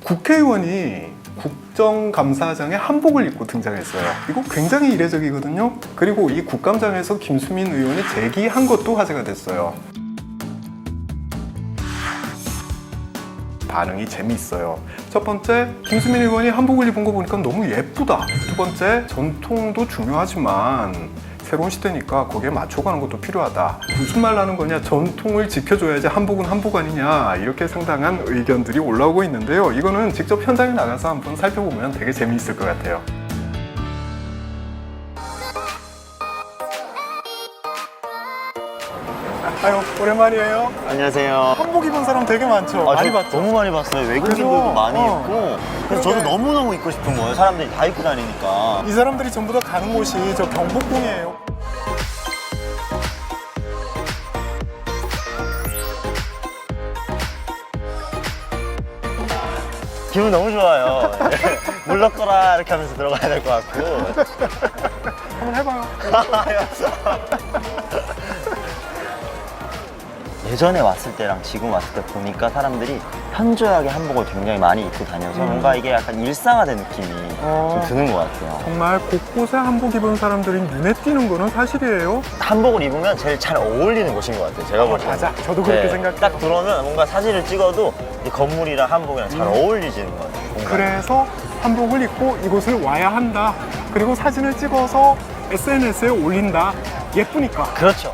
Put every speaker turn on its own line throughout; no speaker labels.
국회의원이 국정감사장에 한복을 입고 등장했어요. 이거 굉장히 이례적이거든요. 그리고 이 국감장에서 김수민 의원이 제기한 것도 화제가 됐어요. 반응이 재미있어요. 첫 번째, 김수민 의원이 한복을 입은 거 보니까 너무 예쁘다. 두 번째, 전통도 중요하지만 새로운 시대니까 거기에 맞춰가는 것도 필요하다. 무슨 말 하는 거냐, 전통을 지켜줘야지 한복은 한복 아니냐, 이렇게 상당한 의견들이 올라오고 있는데요. 이거는 직접 현장에 나가서 한번 살펴보면 되게 재미있을 것 같아요. 아유, 오랜만이에요.
안녕하세요.
한복 입은 사람 되게 많죠? 많이 봤죠?
너무 많이 봤어요. 외국인들도 많이 입고. 그래서 저도 너무너무 입고 싶은 거예요. 사람들이 다 입고 다니니까.
이 사람들이 전부 다 가는 곳이 저 경복궁이에요.
기분 너무 좋아요. 물러거라 이렇게 하면서 들어가야 될 것 같고.
한번 해봐요.
예전에 왔을 때랑 지금 왔을 때 보니까 사람들이 현저하게 한복을 굉장히 많이 입고 다녀서 뭔가 이게 약간 일상화된 느낌이 좀 드는 것 같아요.
정말 곳곳에 한복 입은 사람들이 눈에 띄는 거는 사실이에요.
한복을 입으면 제일 잘 어울리는 곳인 것 같아요. 제가 볼 때는.
맞아. 저도 그렇게 생각해요.
딱 들어오면 뭔가 사진을 찍어도 이 건물이랑 한복이랑 잘 어울리지는 것 같아요. 공간이.
그래서 한복을 입고 이곳을 와야 한다. 그리고 사진을 찍어서 SNS에 올린다. 예쁘니까.
그렇죠.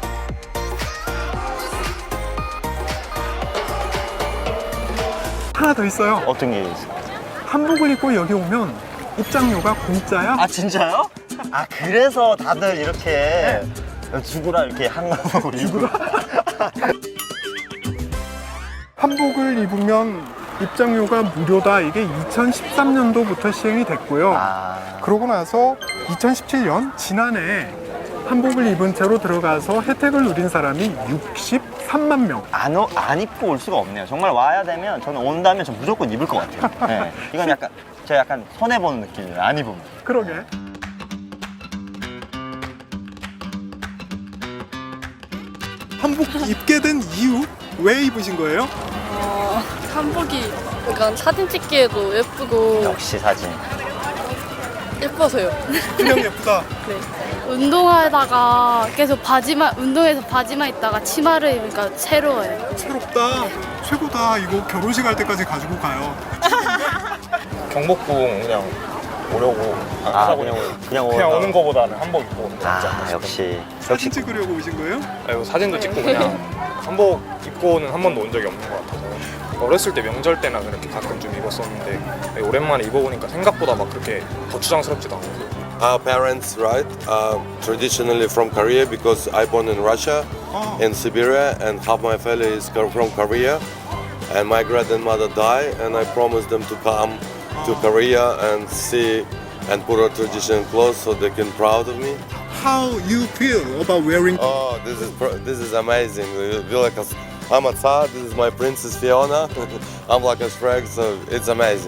하나 더 있어요.
어떤 게 있을까요?
한복을 입고 여기 오면 입장료가 공짜야.
아 진짜요? 아 그래서 다들 이렇게 죽으라 이렇게 한복을 입고
한복을 입으면 입장료가 무료다. 이게 2013년도부터 시행이 됐고요.
아
그러고 나서 2017년 지난해 한복을 입은 채로 들어가서 혜택을 누린 사람이 63만 명.
안 입고 올 수가 없네요. 정말 와야 되면 저는 온다면 전 무조건 입을 것 같아요. 네. 이건 약간 제가 약간 손해 보는 느낌이에요. 안 입으면.
그러게. 한복 입게 된 이유? 왜 입으신 거예요?
한복이 약간 사진 찍기에도 예쁘고
역시 사진.
예뻐서요.
그냥 예쁘다.
네. 운동하다가 계속 운동해서 바지만 입다가 치마를 입으니까 새로워요.
새롭다. 최고다. 이거 결혼식 할 때까지 가지고 가요.
경복궁 그냥 오려고
그냥
오는 거보다는 한복 입고 오는 게 낫지 않나 싶어요.
역시
사진 찍으려고 오신 거예요?
아이고, 사진도 찍고 그냥 한복 입고는 한 번도 온 적이 없는 것 같아서 어렸을 때 명절 때나 그렇게 가끔 좀 입었었는데 오랜만에 입어보니까 생각보다 막 그렇게 거추장스럽지도 않고.
Our parents, right, traditionally from Korea because I born in Russia, in Siberia, and half my family is from Korea. And my grandmother died, and I promised them to come to Korea and see and put our traditional clothes so they can proud of me.
How you feel about wearing?
Oh, this is amazing. We feel like I'm a Tsar. This is my princess Fiona. I'm like a Shrek, so it's amazing.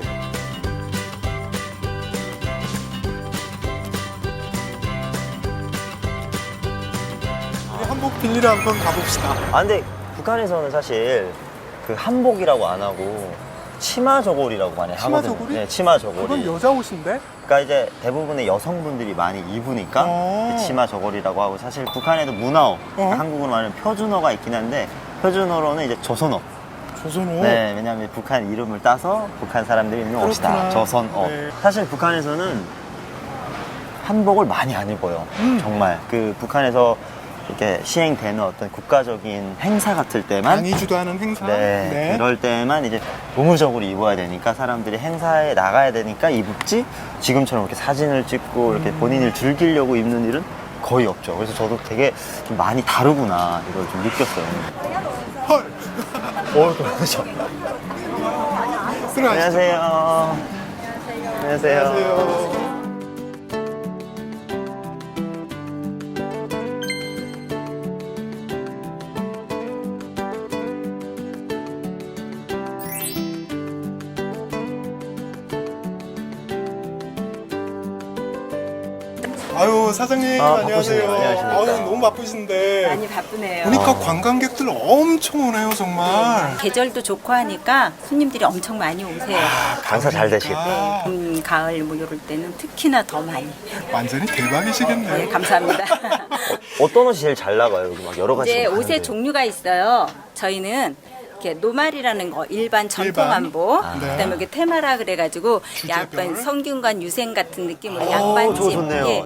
한복 빌리러 한번 가봅시다.
아 근데 북한에서는 사실 그 한복이라고 안 하고 치마 저고리라고 많이
치마
하거든요.
저고리?
네, 치마 저고리.
그건 여자 옷인데?
그러니까 이제 대부분의 여성분들이 많이 입으니까 그 치마 저고리라고 하고 사실 북한에도 문화어, 한국으로 말하면 표준어가 있긴 한데 표준어로는 이제 조선어.
조선옷.
네, 왜냐하면 북한 이름을 따서 북한 사람들이 입는 옷이다.
그렇구나.
조선어.
네.
사실 북한에서는 한복을 많이 안 입어요. 정말 그 북한에서 이렇게 시행되는 어떤 국가적인 행사 같을 때만
강의 주도하는 행사.
네, 그럴 때만 이제 고무적으로 입어야 되니까 사람들이 행사에 나가야 되니까 입지 지금처럼 이렇게 사진을 찍고 이렇게 본인을 즐기려고 입는 일은 거의 없죠. 그래서 저도 되게 좀 많이 다르구나 이걸 좀 느꼈어요.
헐.
그렇죠.
들어가시죠.
안녕하세요. 안녕하세요.
안녕하세요. 아유, 아유 사장님
아,
안녕하세요.
바쁘시네요. 안녕하십니까.
아유 너무 바쁘신데.
많이 바쁘네요.
보니까 관광객들 엄청 오네요 정말.
계절도 좋고 하니까 손님들이 엄청 많이 오세요.
장사 잘 되시겠다.
아,
봄, 가을 뭐 이럴 때는 특히나 더 많이.
완전히 대박이시겠네요.
네, 감사합니다.
어떤 옷이 제일 잘 나가요? 여기 막 여러 가지.
이제 옷의
파는데.
종류가 있어요. 저희는 이렇게 노말이라는 거 일반 전통
일반?
한복,
네.
그다음에 여기 테마라 그래가지고
주제별?
약간 성균관 유생 같은 느낌으로
저거
양반집.
좋네요.
예.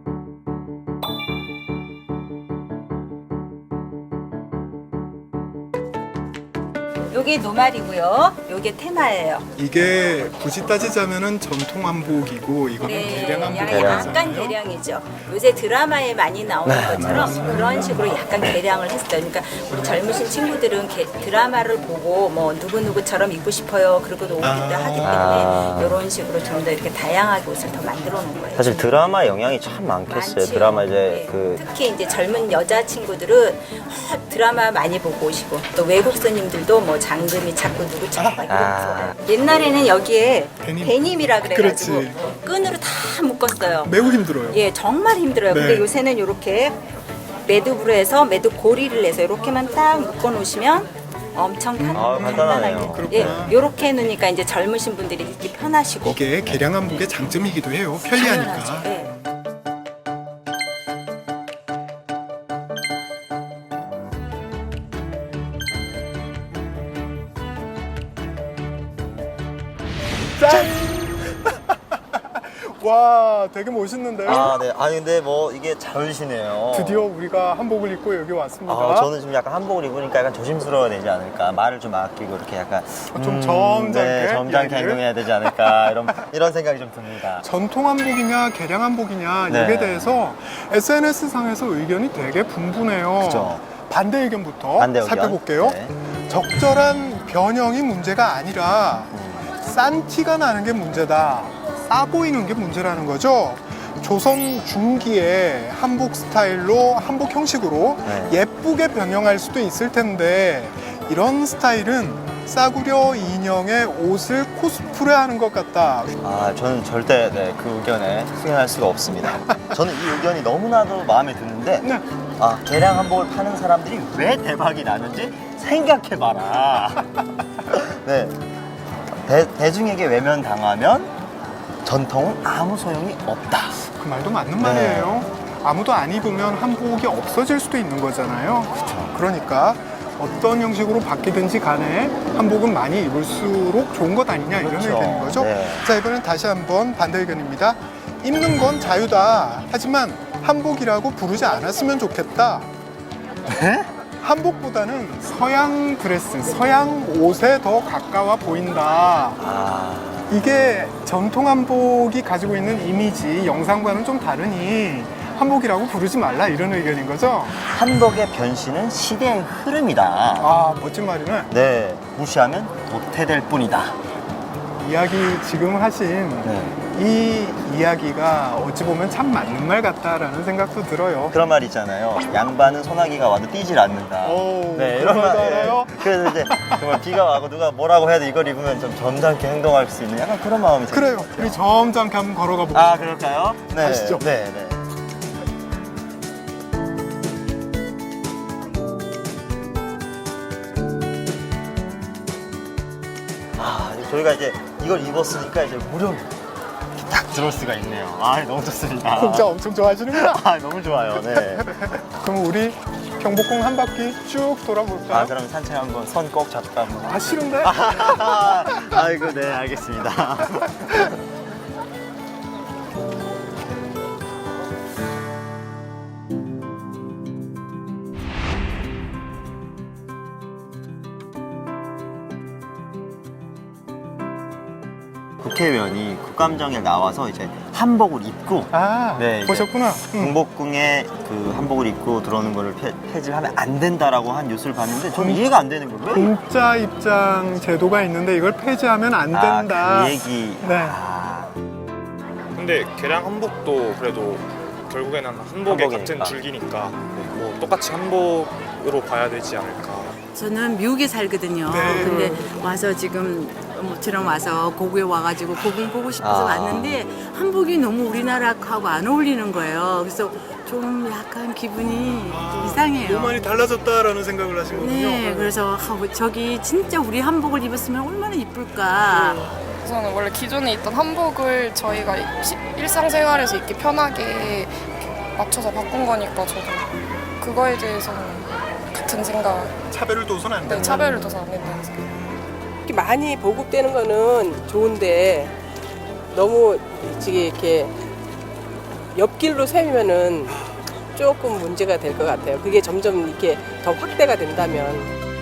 요게 노말이고요. 요게 테마예요.
이게 굳이 따지자면은 전통 한복이고 이거는 대량 한복이잖아요.
약간 개량이죠. 요새 드라마에 많이 나오는 것처럼 그런 식으로 약간 개량을 했어요. 그러니까 우리 젊으신 친구들은 드라마를 보고 뭐 누구누구처럼 입고 싶어요. 그러고 오기도 하기 때문에 이런 식으로 좀 더 이렇게 다양하게 옷을 더 만들어 놓은 거예요.
사실 드라마 영향이 참 많겠어요.
많지요.
드라마 이제
네.
그
특히 이제 젊은 여자 친구들은 드라마 많이 보고 오시고 또 외국 손님들도 뭐 장금이 찾고 누구 찾고 막 이런 거 좋아해요. 옛날에는 여기에 데님이라 그래가지고
그렇지.
끈으로 다 묶었어요.
매우 힘들어요.
예, 정말 힘들어요.
네.
근데 요새는 이렇게 매듭으로 해서 매듭 고리를 내서 이렇게만 딱 묶어 놓으시면 엄청
간단하네요.
간단하게. 예,
그렇구나.
이렇게 해놓으니까 이제 젊으신 분들이 입기 편하시고.
이게 개량 한복의 장점이기도 해요. 편리하니까.
당연하죠. 예.
짠! 와, 되게 멋있는데요?
아, 네. 아니 근데 뭐 이게 잘 어울리시네요.
드디어 우리가 한복을 입고 여기 왔습니다.
저는 지금 약간 한복을 입으니까 약간 조심스러워야 되지 않을까. 말을 좀 아끼고 이렇게 약간
좀 점잖게
네, 점잖게
이야기를?
행동해야 되지 않을까. 이런 생각이 좀 듭니다.
전통 한복이냐 개량 한복이냐
네.
이에 대해서 SNS 상에서 의견이 되게 분분해요.
그죠.
반대 의견부터
반대 의견.
살펴볼게요.
네.
적절한 변형이 문제가 아니라 싼 티가 나는 게 문제다. 싸 보이는 게 문제라는 거죠. 조선 중기에 한복 스타일로 한복 형식으로
네.
예쁘게 변형할 수도 있을 텐데 이런 스타일은 싸구려 인형의 옷을 코스프레하는 것 같다.
저는 절대 그 의견에 승인할 수가 없습니다. 저는 이 의견이 너무나도 마음에 드는데
네.
개량 한복을 파는 사람들이 왜 대박이 나는지 생각해봐라. 네. 대중에게 외면당하면 전통은 아무 소용이 없다.
그 말도 맞는
네.
말이에요. 아무도 안 입으면 한복이 없어질 수도 있는 거잖아요. 그러니까 어떤 형식으로 바뀌든지 간에 한복은 많이 입을수록 좋은 것 아니냐 이런
그렇죠.
의견인 거죠.
네.
자, 이번엔 다시 한번 반대 의견입니다. 입는 건 자유다. 하지만 한복이라고 부르지 않았으면 좋겠다.
네?
한복보다는 서양 드레스, 서양 옷에 더 가까워 보인다. 이게 전통 한복이 가지고 있는 이미지, 영상과는 좀 다르니 한복이라고 부르지 말라 이런 의견인 거죠?
한복의 변신은 시대의 흐름이다.
아, 멋진 말이네.
네, 무시하면 도태될 뿐이다.
이야기 지금 하신
네.
이 이야기가 어찌 보면 참 맞는 말 같다라는 생각도 들어요.
그런 말 있잖아요. 양반은 소나기가 와도 뛰질 않는다.
오,
네,
그런
이런 말.
말도 알아요?
그래서 이제 정말 비가 와고 누가 뭐라고 해도 이걸 입으면 좀 점잖게 행동할 수 있는 약간 그런 마음이
그래요.
생겨요.
우리 점잖게 한번 걸어가 보고.
그럴까요? 네.
가시죠.
네, 네. 저희가 이제 이걸 입었으니까 이제 무료로 이렇게 딱 들어올 수가 있네요. 너무 좋습니다.
공짜 엄청 좋아하시는구나.
너무 좋아요. 네.
그럼 우리 경복궁 한 바퀴 쭉 돌아볼까요?
그럼 산책 한번 손 꼭 잡고 한번.
싫은데?
아이고, 네, 알겠습니다. 국회의원이 국감장에 나와서 이제 한복을 입고 네, 이제
보셨구나.
경복궁에 그 한복을 입고 들어오는 거를 폐지하면 안 된다라고 한 뉴스를 봤는데 저는 이해가 안 되는 거예요. 왜?
공짜 입장 제도가 있는데 이걸 폐지하면 안 된다.
그 얘기.
네.
근데 개량 한복도 그래도 결국에는 한복의
한복이니까.
같은 줄기니까 뭐 똑같이 한복으로 봐야 되지 않을까.
저는 미국에 살거든요.
네.
근데 와서 지금 모처럼 와서 고구에 와가지고 고궁 보고 싶어서 왔는데 한복이 너무 우리나라하고 안 어울리는 거예요. 그래서 좀 약간 기분이 이상해요.
너무 많이 달라졌다라는 생각을 하신 거군요.
네, 그래서 저기 진짜 우리 한복을 입었으면 얼마나 이쁠까.
우선은 원래 기존에 있던 한복을 저희가 일상생활에서 입기 편하게 이렇게 맞춰서 바꾼 거니까 저도 그거에 대해서는 같은 생각.
차별을 둬서는 안 된다.
네, 차별을 둬서 안 된다는 생각.
이렇게 많이 보급되는 거는 좋은데 너무 이렇게 옆길로 세우면은 조금 문제가 될 것 같아요. 그게 점점 이렇게 더 확대가 된다면.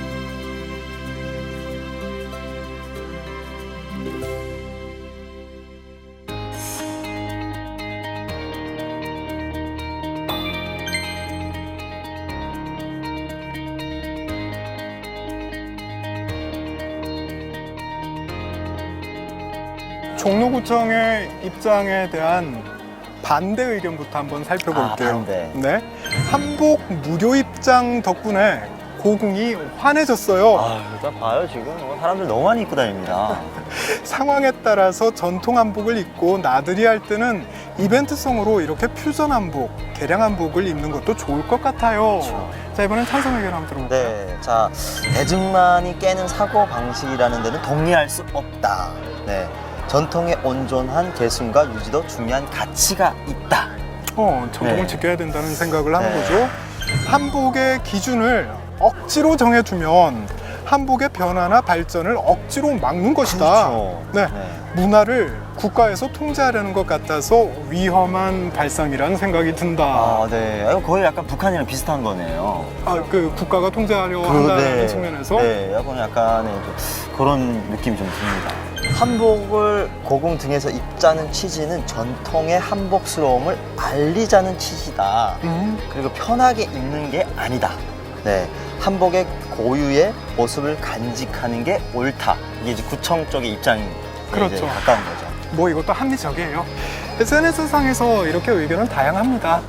종로구청의 입장에 대한 반대 의견부터 한번 살펴볼게요.
반대.
네, 한복 무료 입장 덕분에 고궁이 환해졌어요.
아, 일단 봐요 지금 사람들 너무 많이 입고 다닙니다.
상황에 따라서 전통 한복을 입고 나들이 할 때는 이벤트성으로 이렇게 퓨전 한복, 개량 한복을 입는 것도 좋을 것 같아요.
그렇죠.
자, 이번엔 찬성 의견 한번 들어볼까요?
네, 자 대중만이 깨는 사고 방식이라는 데는 동의할 수 없다. 네, 전통의 온전한 계승과 유지도 중요한 가치가 있다.
전통을
네.
지켜야 된다는 생각을 하는
네.
거죠. 한복의 기준을 억지로 정해주면 한복의 변화나 발전을 억지로 막는 것이다.
그렇죠.
네.
네.
문화를 국가에서 통제하려는 것 같아서 위험한 발상이라는 생각이 든다.
아, 네. 이거 거의 약간 북한이랑 비슷한 거네요.
그 국가가 통제하려 한다는 측면에서
네, 약간의 그런 느낌이 좀 듭니다. 한복을 고궁 등에서 입자는 취지는 전통의 한복스러움을 알리자는 취지다. 그리고 편하게 입는 게 아니다. 네, 한복의 고유의 모습을 간직하는 게 옳다. 이게 이제 구청 쪽의 입장이
그렇죠.
이제 가까운 거죠.
뭐 이것도 합리적이에요. SNS상에서 이렇게 의견은 다양합니다.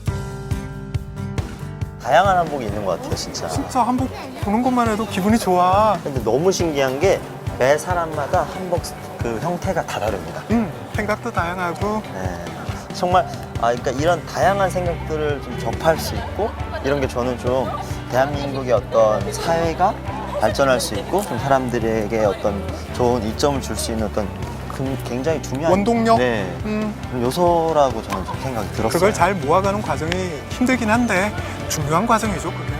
다양한 한복이 있는 것 같아요, 진짜.
진짜 한복 보는 것만 해도 기분이 좋아.
근데 너무 신기한 게 매 사람마다 한복 그 형태가 다 다릅니다.
생각도 다양하고.
네. 정말 그러니까 이런 다양한 생각들을 좀 접할 수 있고 이런 게 저는 좀 대한민국의 어떤 사회가 발전할 수 있고 좀 사람들에게 어떤 좋은 이점을 줄 수 있는 어떤 굉장히 중요한
원동력?
네, 그런 요소라고 저는 좀 생각이 들었어요.
그걸 잘 모아가는 과정이 힘들긴 한데 중요한 과정이죠, 그게.